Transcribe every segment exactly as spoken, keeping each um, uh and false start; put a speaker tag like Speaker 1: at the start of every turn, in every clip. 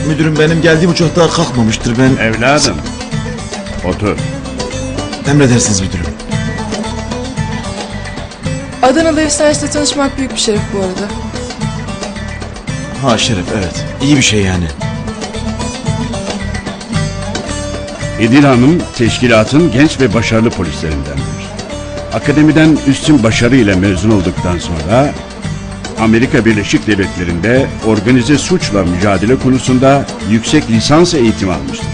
Speaker 1: Müdürüm benim geldiğim uçak daha kalkmamıştır ben...
Speaker 2: Evladım. Otur.
Speaker 1: Emredersiniz müdürüm.
Speaker 3: Adanalı efsanesiyle tanışmak büyük bir şeref bu arada.
Speaker 1: Ha şeref, evet. İyi bir şey yani.
Speaker 2: İdil Hanım teşkilatın genç ve başarılı polislerindendir. Akademiden üstün başarıyla mezun olduktan sonra Amerika Birleşik Devletleri'nde organize suçla mücadele konusunda yüksek lisans eğitimi almıştır.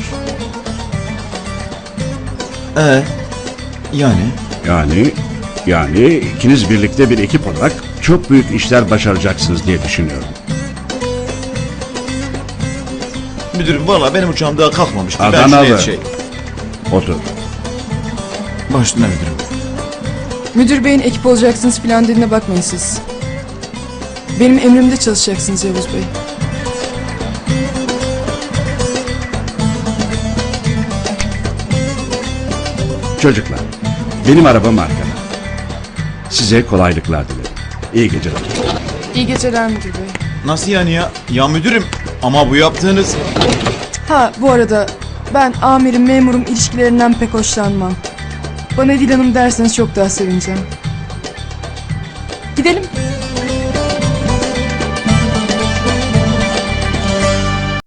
Speaker 1: Ee, yani?
Speaker 2: Yani yani ikiniz birlikte bir ekip olarak çok büyük işler başaracaksınız diye düşünüyorum.
Speaker 1: Müdürüm valla benim uçağım daha kalkmamıştır. Ben
Speaker 2: Adanalı.
Speaker 1: şuraya şey...
Speaker 2: Otur.
Speaker 1: Başına müdürüm.
Speaker 3: Müdür beyin ekip olacaksınız filan dediğine bakmayın siz. Benim emrimde çalışacaksınız Yavuz Bey.
Speaker 2: Çocuklar, benim arabam arkada. Size kolaylıklar dilerim. İyi geceler.
Speaker 3: İyi geceler müdür bey.
Speaker 1: Nasıl yani ya? Ya müdürüm ama bu yaptığınız...
Speaker 3: Ha bu arada ben amirim memurum ilişkilerinden pek hoşlanmam. Bana İdil Hanım derseniz çok daha sevineceğim. Gidelim.